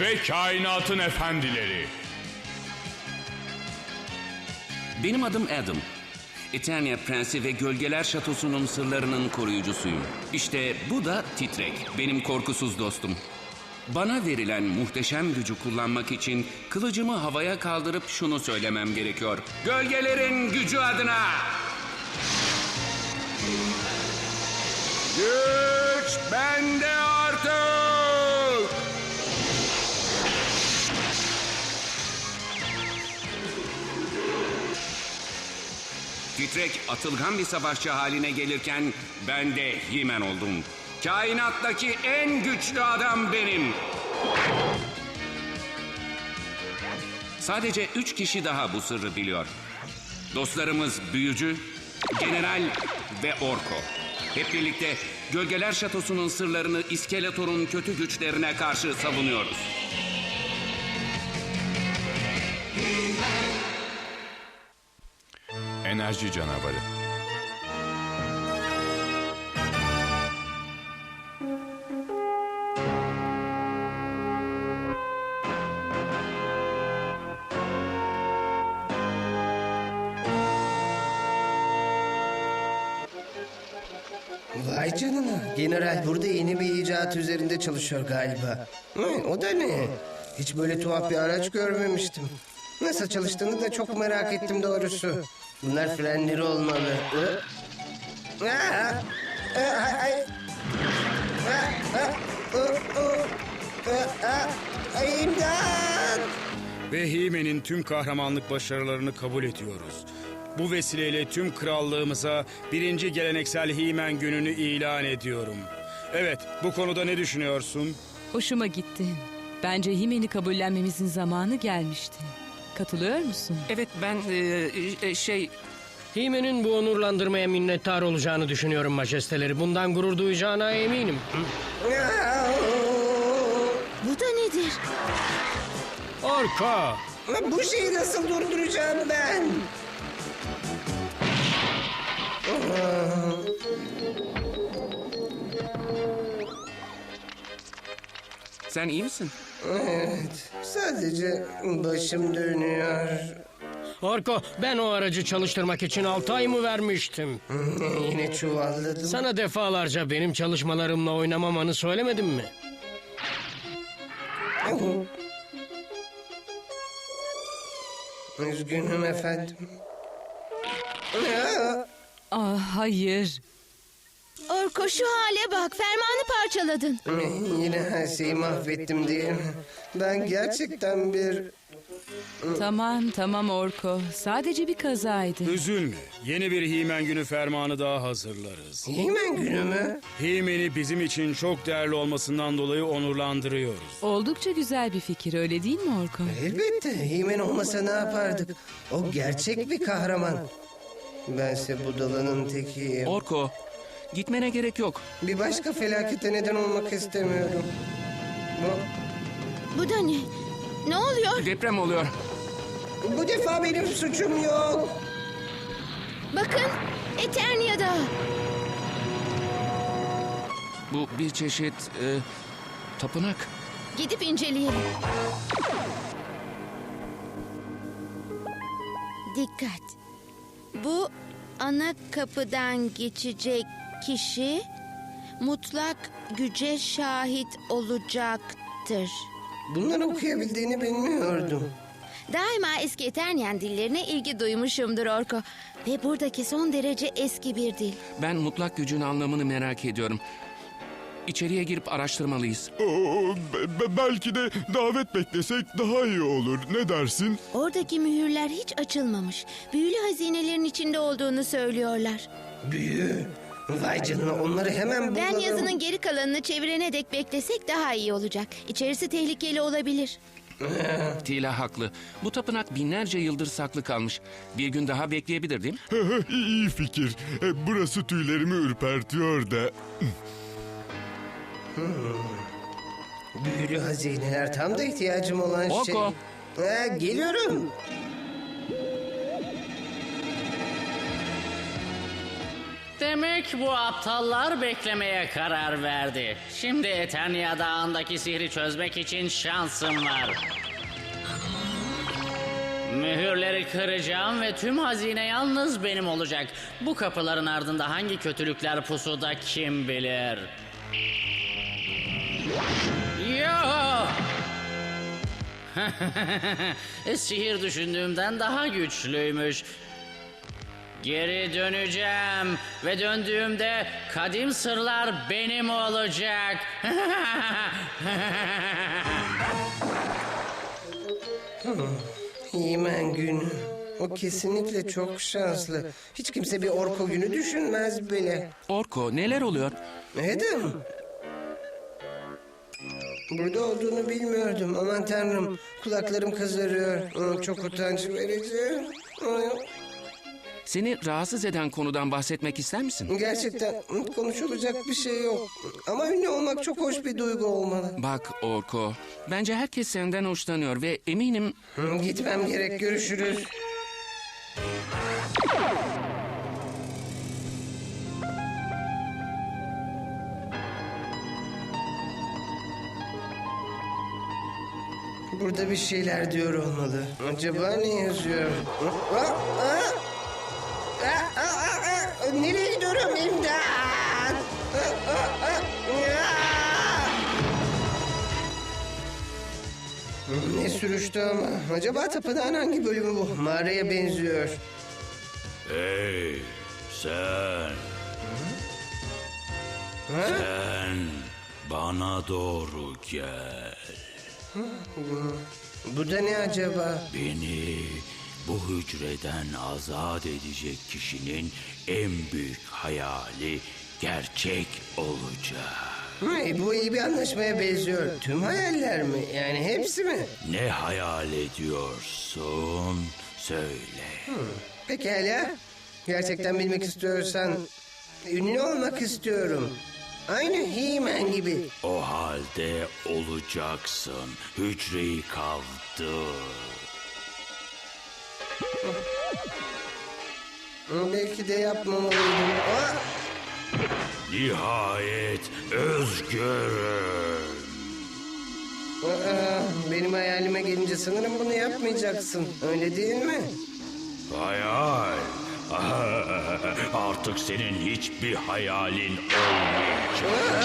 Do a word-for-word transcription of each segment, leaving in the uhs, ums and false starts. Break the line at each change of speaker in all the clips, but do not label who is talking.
ve kainatın efendileri.
Benim adım Adam. Eternia Prensi ve Gölgeler Şatosu'nun sırlarının koruyucusuyum. İşte bu da Titrek, benim korkusuz dostum. Bana verilen muhteşem gücü kullanmak için kılıcımı havaya kaldırıp şunu söylemem gerekiyor. Gölgelerin gücü adına! Güç bende artık! Titrek atılgan bir savaşçı haline gelirken ben de He-Man oldum. Kainattaki en güçlü adam benim. Sadece üç kişi daha bu sırrı biliyor. Dostlarımız Büyücü, General ve Orko. Hep birlikte Gölgeler Şatosu'nun sırlarını İskeletor'un kötü güçlerine karşı savunuyoruz.
Enerji canavarı.
Vay canına. General burada yeni bir icat üzerinde çalışıyor galiba. Hı, o da ne? Hiç böyle tuhaf bir araç görmemiştim. Nasıl çalıştığını da çok merak ettim doğrusu. Bunlar frenleri olmalı. Hı? Aa! Aa, ay! Aa, aa, aa, aa, aa, ay, İmdat!
Ve He-Man'in tüm kahramanlık başarılarını kabul ediyoruz. Bu vesileyle tüm krallığımıza birinci geleneksel He-Man gününü ilan ediyorum. Evet, bu konuda ne düşünüyorsun?
Hoşuma gitti. Bence He-Man'i kabullenmemizin zamanı gelmişti. Katılıyor musun?
Evet ben e, e, şey... He-Man'in bu onurlandırmaya minnettar olacağını düşünüyorum majesteleri. Bundan gurur duyacağına eminim.
Bu da nedir?
Orko!
Bu şeyi nasıl durduracağım ben?
Sen iyi misin?
Evet, sadece başım dönüyor.
Orko, ben o aracı çalıştırmak için altı ay mı vermiştim?
Yine çuvalladım.
Sana defalarca benim çalışmalarımla oynamamanı söylemedim mi?
Üzgünüm efendim.
Ah hayır.
Orko şu hale bak, fermanı parçaladın.
Yine her şeyi mahvettim diye. Ben gerçekten bir...
Tamam tamam Orko. Sadece bir kazaydı.
Üzülme, yeni bir He-Man günü fermanı daha hazırlarız.
He-Man günü mü?
He-Man'i bizim için çok değerli olmasından dolayı onurlandırıyoruz.
Oldukça güzel bir fikir, öyle değil mi Orko?
Elbette. He-Man olmasa ne yapardık? O gerçek bir kahraman. Bense budalanın tekiyim.
Orko, gitmene gerek yok.
Bir başka felakete neden olmak istemiyorum. Bu,
Bu da ne? Ne oluyor?
Deprem oluyor.
bu defa benim suçum yok.
Bakın, Eternia'da.
Bu bir çeşit e, tapınak.
Gidip inceleyelim. Dikkat. Bu ana kapıdan geçecek kişi mutlak güce şahit olacaktır.
Bunları okuyabildiğini bilmiyordum.
Daima eski Eternian dillerine ilgi duymuşumdur Orko. Ve buradaki son derece eski bir dil.
Ben mutlak gücün anlamını merak ediyorum. İçeriye girip araştırmalıyız.
Oo, be- be- belki de davet beklesek daha iyi olur. Ne dersin?
Oradaki mühürler hiç açılmamış. Büyülü hazinelerin içinde olduğunu söylüyorlar.
Büyü. Vay canına, onları hemen bulalım.
Ben yazının geri kalanını çevirene dek beklesek daha iyi olacak. İçerisi tehlikeli olabilir.
Tila haklı. Bu tapınak binlerce yıldır saklı kalmış. Bir gün daha bekleyebilir değil mi?
İyi fikir. E, Burası tüylerimi ürpertiyor da.
Büyülü hazineler tam da ihtiyacım olan şey.
Orko.
Ha, geliyorum.
Demek bu aptallar beklemeye karar verdi. Şimdi Eternia Dağı'ndaki sihri çözmek için şansım var. Mühürleri kıracağım ve tüm hazine yalnız benim olacak. Bu kapıların ardında hangi kötülükler pusuda kim bilir? Yo! Sihir düşündüğümden daha güçlüymüş. Geri döneceğim ve döndüğümde kadim sırlar benim olacak.
He-Man günü. O kesinlikle çok şanslı. Hiç kimse bir Orko günü düşünmez bile.
Orko, neler oluyor?
Adam. Burada olduğunu bilmiyordum. Aman tanrım. Kulaklarım kızarıyor. Aa, çok utanç verici. Aa,
Seni rahatsız eden konudan bahsetmek ister misin?
Gerçekten konuşulacak bir şey yok. Ama ünlü olmak çok hoş bir duygu olmalı.
Bak Orko, bence herkes senden hoşlanıyor ve eminim...
Hı, Gitmem gerek. Görüşürüz. Burada bir şeyler diyor olmalı. Acaba ne yazıyor? Aa, aa, aa, aa, aa, nereye gidiyorum? İmdat! Aa, aa, aa, aa! Ne sürüştü ama. Acaba tapınağın hangi bölümü bu? Mağaraya benziyor.
Hey sen.
Ha?
Sen bana doğru gel.
Bu da ne acaba?
Beni bu hücreden azat edecek kişinin en büyük hayali gerçek olacak.
Hey, bu iyi bir anlaşmaya benziyor. Tüm hayaller mi? Yani hepsi mi?
Ne hayal ediyorsun? Söyle.
Pekala. Gerçekten bilmek istiyorsan ünlü olmak istiyorum. Aynı He-Man gibi.
O halde olacaksın. Hücreyi kaldır.
Belki de yapmamalıydım. Aa!
Nihayet özgürüm.
Aa, benim hayalime gelince sanırım bunu yapmayacaksın. Öyle değil mi?
Hayal. Artık senin hiçbir hayalin olmayacak.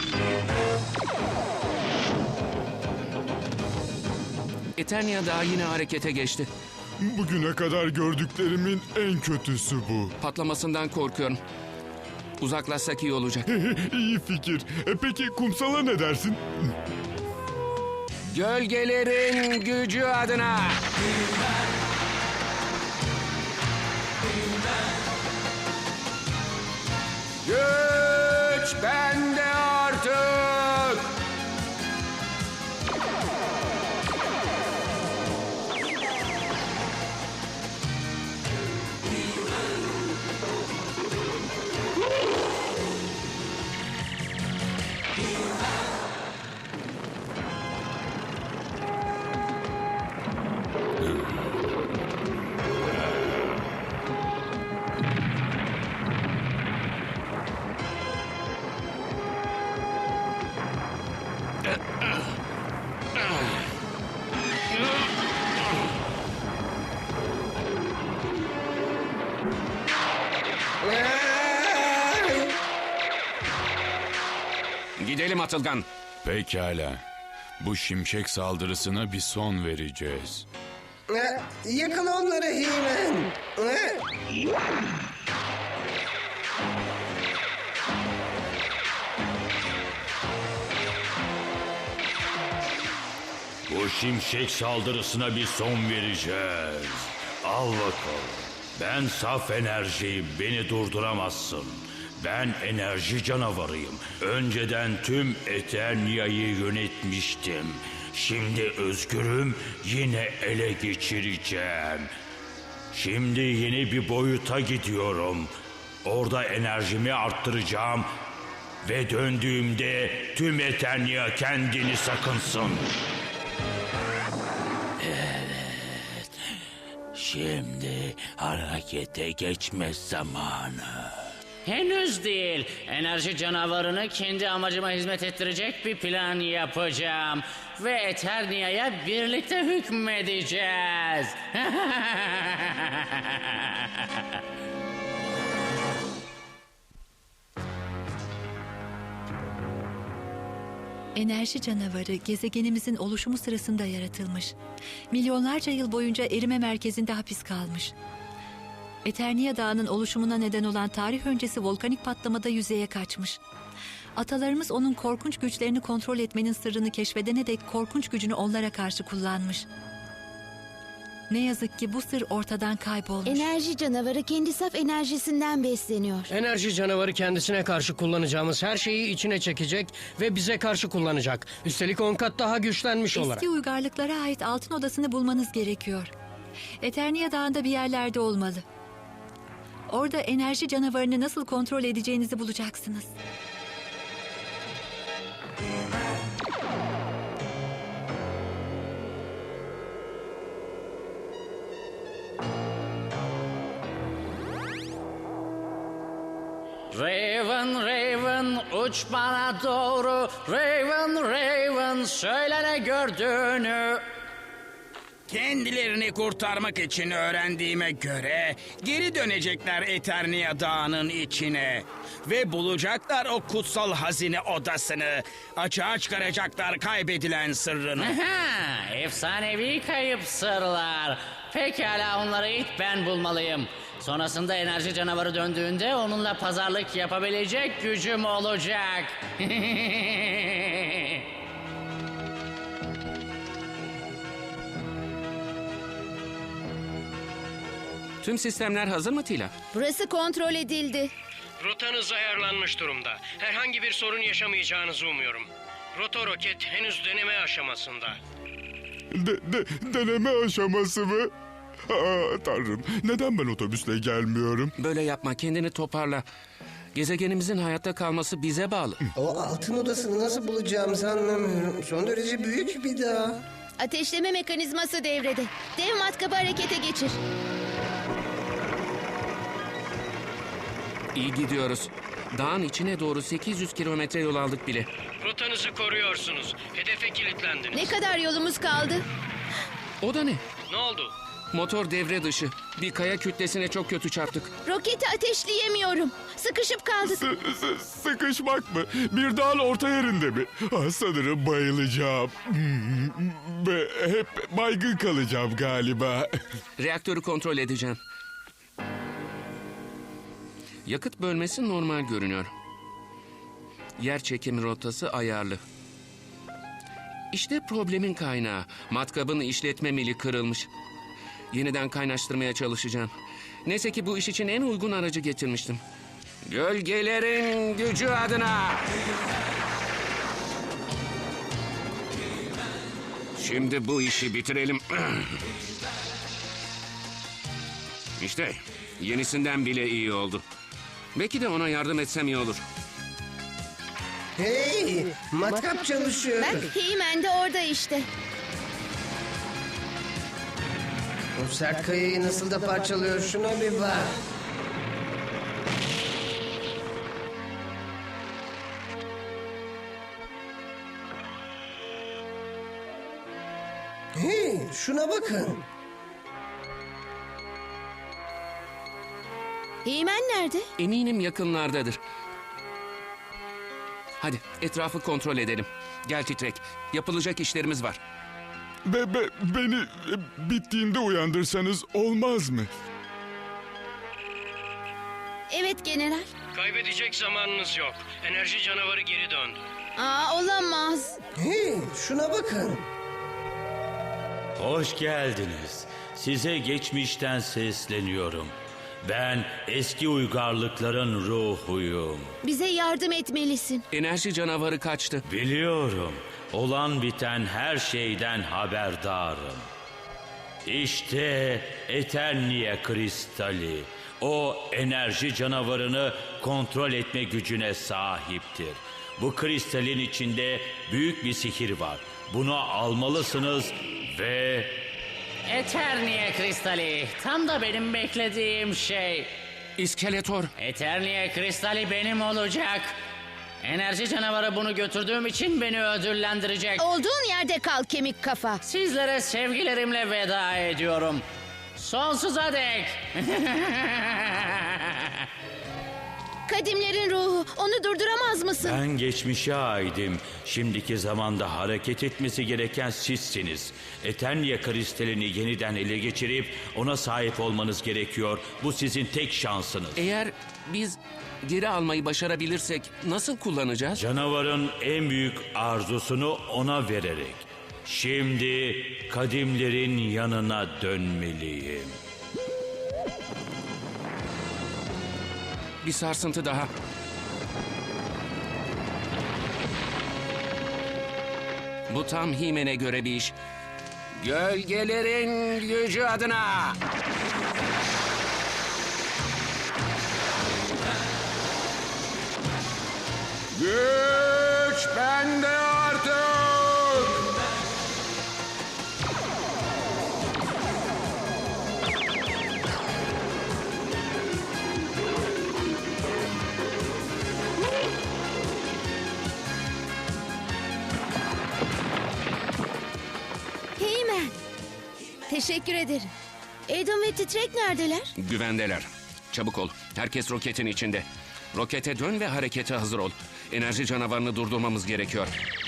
Eternia Dağı yine harekete geçti.
Bugüne kadar gördüklerimin en kötüsü bu.
Patlamasından korkuyorum. Uzaklaşsak iyi olacak.
İyi fikir. E peki kumsala ne dersin?
Gölgelerin gücü adına. Güç bende artık. Gidelim Atılgan.
Pekala. Bu şimşek saldırısına bir son vereceğiz.
Aa, yakala onları He-Man. Aa!
Bu şimşek saldırısına bir son vereceğiz. Al bakalım. Ben saf enerjiyim. Beni durduramazsın. Ben enerji canavarıyım. Önceden tüm Eternia'yı yönetmiştim. Şimdi özgürüm, yine ele geçireceğim. Şimdi yeni bir boyuta gidiyorum. Orada enerjimi arttıracağım. Ve döndüğümde tüm Eternia kendini sakınsın. Evet. Şimdi harekete geçme zamanı.
Henüz değil. Enerji canavarını kendi amacıma hizmet ettirecek bir plan yapacağım. Ve Eternia'ya birlikte hükmedeceğiz.
Enerji canavarı gezegenimizin oluşumu sırasında yaratılmış. Milyonlarca yıl boyunca erime merkezinde hapis kalmış. Eternia Dağı'nın oluşumuna neden olan tarih öncesi volkanik patlamada yüzeye kaçmış. Atalarımız onun korkunç güçlerini kontrol etmenin sırrını keşfedene dek korkunç gücünü onlara karşı kullanmış. Ne yazık ki bu sır ortadan kaybolmuş.
Enerji canavarı kendi saf enerjisinden besleniyor.
Enerji canavarı kendisine karşı kullanacağımız her şeyi içine çekecek ve bize karşı kullanacak. Üstelik on kat daha güçlenmiş olarak.
Eski uygarlıklara ait altın odasını bulmanız gerekiyor. Eternia Dağı'nda bir yerlerde olmalı. Orada enerji canavarını nasıl kontrol edeceğinizi bulacaksınız.
Raven, Raven, uç bana doğru. Raven, Raven, söyle ne gördüğünü.
Kendilerini kurtarmak için öğrendiğime göre geri dönecekler Eternia Dağı'nın içine. Ve bulacaklar o kutsal hazine odasını. Açığa çıkaracaklar kaybedilen sırrını.
Aha, efsanevi kayıp sırlar. Pekala, onları ilk ben bulmalıyım. Sonrasında enerji canavarı döndüğünde onunla pazarlık yapabilecek gücüm olacak.
Tüm sistemler hazır mı Tila?
Burası kontrol edildi.
Rotanız ayarlanmış durumda. Herhangi bir sorun yaşamayacağınızı umuyorum. Roto roket henüz deneme aşamasında.
De, de, deneme aşaması mı? Aa, Tanrım, neden ben otobüsle gelmiyorum?
Böyle yapma, kendini toparla. Gezegenimizin hayatta kalması bize bağlı.
O altın odasını nasıl bulacağımızı anlamıyorum. Son derece büyük bir dağ.
Ateşleme mekanizması devrede. Dev matkabı harekete geçir.
İyi gidiyoruz. Dağın içine doğru sekiz yüz kilometre yol aldık bile.
Rotanızı koruyorsunuz. Hedefe kilitlendiniz.
Ne kadar yolumuz kaldı?
O da ne?
Ne oldu?
Motor devre dışı. Bir kaya kütlesine çok kötü çarptık.
Roketi ateşleyemiyorum. Sıkışıp kaldık.
Sı- sı- sıkışmak mı? Bir dağın orta yerinde mi? Ah, sanırım bayılacağım. Hmm, Ve hep baygın kalacağım galiba.
Reaktörü kontrol edeceğim. Yakıt bölmesi normal görünüyor. Yer çekimi rotası ayarlı. İşte problemin kaynağı. Matkabın işletme mili kırılmış. Yeniden kaynaştırmaya çalışacağım. Neyse ki bu iş için en uygun aracı getirmiştim. Gölgelerin gücü adına. Şimdi bu işi bitirelim. İşte yenisinden bile iyi oldu. Belki de ona yardım etsem iyi olur.
Hey, matkap çalışıyor.
Bak, He-Man de orada işte.
O sert kayayı nasıl da parçalıyor, şuna bir bak. Hey, şuna bakın.
He-Man nerede?
Eminim yakınlardadır. Hadi etrafı kontrol edelim. Gel Titrek. Yapılacak işlerimiz var.
Be, be, beni e, bittiğinde uyandırsanız olmaz mı?
Evet general.
Kaybedecek zamanınız yok. Enerji canavarı geri döndü.
Aa, olamaz.
Hey, şuna bakın.
Hoş geldiniz. Size geçmişten sesleniyorum. Ben eski uygarlıkların ruhuyum.
Bize yardım etmelisin.
Enerji canavarı kaçtı.
Biliyorum. Olan biten her şeyden haberdarım. İşte Eternia kristali. O enerji canavarını kontrol etme gücüne sahiptir. Bu kristalin içinde büyük bir sihir var. Bunu almalısınız ve...
Eternia kristali. Tam da benim beklediğim şey.
İskeletor.
Eternia kristali benim olacak. Enerji canavarı bunu götürdüğüm için beni ödüllendirecek.
Olduğun yerde kal kemik kafa.
Sizlere sevgilerimle veda ediyorum. Sonsuza dek.
Kadimlerin ruhu, onu durduramaz mısın?
Ben geçmişe aidim. Şimdiki zamanda hareket etmesi gereken sizsiniz. Eternia kristalini yeniden ele geçirip ona sahip olmanız gerekiyor. Bu sizin tek şansınız.
Eğer biz geri almayı başarabilirsek nasıl kullanacağız?
Canavarın en büyük arzusunu ona vererek. Şimdi kadimlerin yanına dönmeliyim.
Bir sarsıntı daha. Bu tam He-Man'e göre bir iş. Gölgelerin gücü adına.
Güç bende artık.
He-Man. Teşekkür ederim. Adam ve Titrek neredeler?
Güvendeler. Çabuk ol. Herkes roketin içinde. Rokete dön ve harekete hazır ol. Enerji canavarını durdurmamız gerekiyor.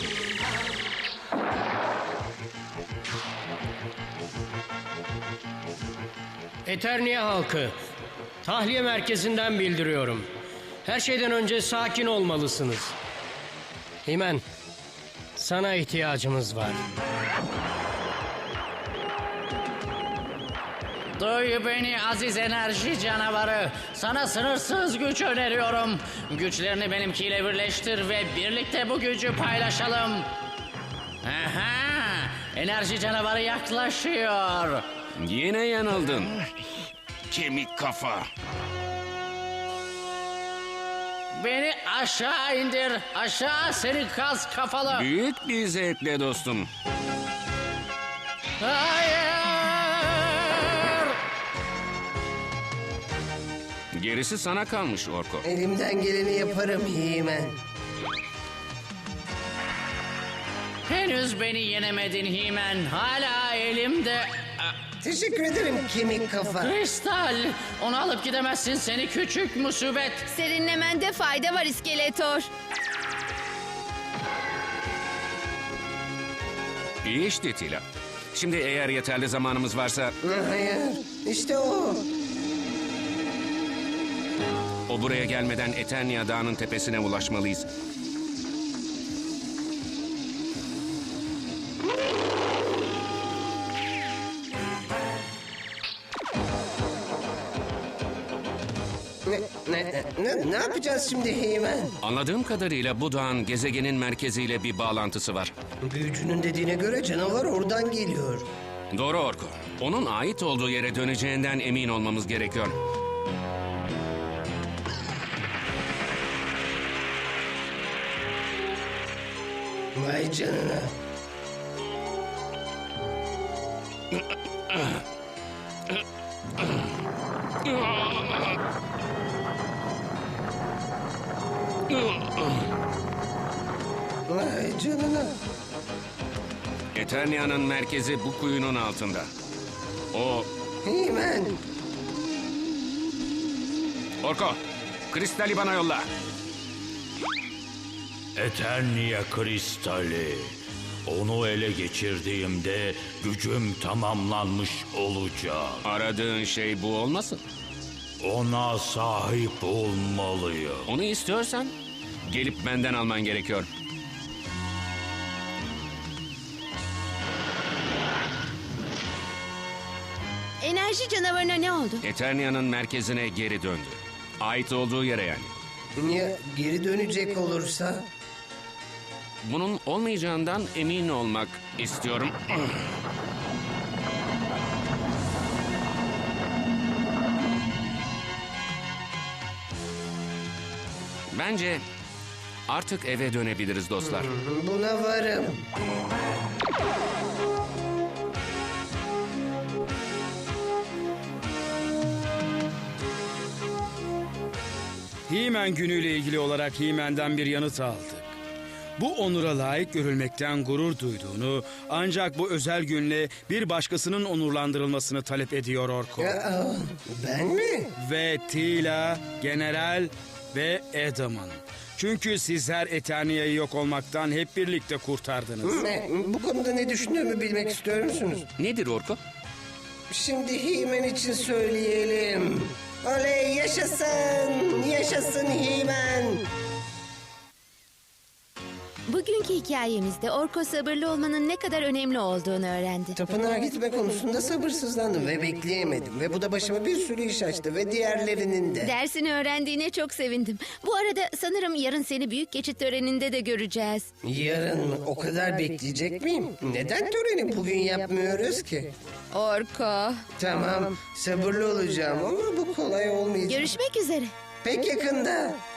Eternia halkı, tahliye merkezinden bildiriyorum. Her şeyden önce sakin olmalısınız. He-Man, sana ihtiyacımız var.
Duy beni aziz enerji canavarı. Sana sınırsız güç öneriyorum. Güçlerini benimkiyle birleştir ve birlikte bu gücü paylaşalım. Aha! Enerji canavarı yaklaşıyor.
Yine yanıldın. Kemik kafa.
Beni aşağı indir. Aşağı seni kas kafalı.
Büyük bir zevkle dostum.
Hayır!
Gerisi sana kalmış Orko.
Elimden geleni yaparım He-Man.
Henüz beni yenemedin He-Man. Hala elimde...
Teşekkür ederim kemik kafa.
Kristal! Onu alıp gidemezsin seni küçük musibet.
Serinlemende fayda var İskeletor.
İyi işte Tila. Şimdi eğer yeterli zamanımız varsa
Hayır, işte o.
o buraya gelmeden Eternia Dağı'nın tepesine ulaşmalıyız.
Ne, ne, ne, ne yapacağız şimdi He-Man?
Anladığım kadarıyla bu dağın gezegenin merkeziyle bir bağlantısı var.
Büyücünün dediğine göre canavar oradan geliyor.
Doğru Orko. Onun ait olduğu yere döneceğinden emin olmamız gerekiyor.
Vay canına. Vay canına.
Eternia'nın merkezi bu kuyunun altında. O...
He-Man.
Orko, kristali bana yolla.
Eternia kristali. Onu ele geçirdiğimde gücüm tamamlanmış olacak.
Aradığın şey bu olmasın?
Ona sahip olmalıyım.
Onu istiyorsan gelip benden alman gerekiyor.
Enerji canavarına ne oldu?
Eternia'nın merkezine geri döndü. Ait olduğu yere yani.
Ya geri dönecek olursa?
Bunun olmayacağından emin olmak istiyorum. Bence artık eve dönebiliriz dostlar.
Buna varım.
He-Man günüyle ilgili olarak He-Man'den bir yanıt aldık. Bu onura layık görülmekten gurur duyduğunu, ancak bu özel günle bir başkasının onurlandırılmasını talep ediyor Orko.
Aa, ben mi?
Ve Teela, General ve Adam'ın. Çünkü sizler Eternia'yı yok olmaktan hep birlikte kurtardınız.
Ne, bu konuda ne düşündüğümü bilmek istiyor musunuz?
Nedir Orko?
Şimdi He-Man için söyleyelim. Oley yaşasın, yaşasın He-Man.
Bugünkü hikayemizde Orko sabırlı olmanın ne kadar önemli olduğunu öğrendi.
Tapınağa gitme konusunda sabırsızlandım ve bekleyemedim. Ve bu da başıma bir sürü iş açtı ve diğerlerinin de.
Dersini öğrendiğine çok sevindim. Bu arada sanırım yarın seni büyük geçit töreninde de göreceğiz.
Yarın mı? O kadar bekleyecek miyim? Neden töreni bugün yapmıyoruz ki?
Orko.
Tamam, sabırlı olacağım ama bu kolay olmayacak.
Görüşmek üzere.
Pek yakında.